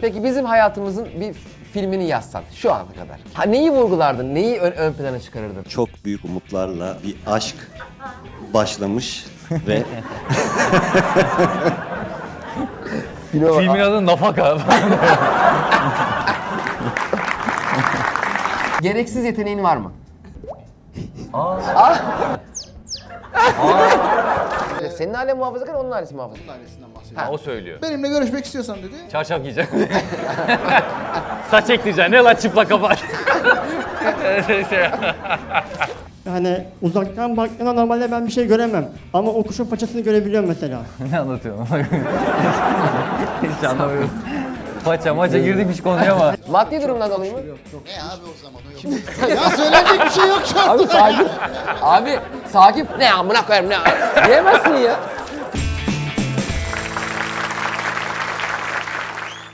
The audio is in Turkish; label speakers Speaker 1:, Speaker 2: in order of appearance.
Speaker 1: Peki bizim hayatımızın bir filmini yazsan şu ana kadar. Ha, neyi vurgulardın? Neyi ön plana çıkarırdın?
Speaker 2: Çok büyük umutlarla bir aşk başlamış ve
Speaker 3: Filmin adı Nafaka.
Speaker 1: Gereksiz yeteneğin var mı? Senin ailen muhafazakar, onun ailesi muhafazakar.
Speaker 4: Ailesinden bahsediyor.
Speaker 3: O söylüyor.
Speaker 4: Benimle görüşmek istiyorsan dedi.
Speaker 3: Çarşaf giyeceksin. Saç ekleyeceksin. Ne lan çıplak kafa.
Speaker 5: Yani uzaktan baktığında normalde ben bir şey göremem. Ama o kuşun paçasını görebiliyorum mesela.
Speaker 3: Ne anlatıyorsun? Hiç anlamıyorum. Maça girdik hiç konuya ama.
Speaker 1: Maddi durumdan dolayı mı?
Speaker 4: Ne abi o zaman o yok. Ya söylenecek bir şey yok şu an.
Speaker 1: Abi sakin. Abi sakin. Ne amına koyarım ne? Diyemezsin ya.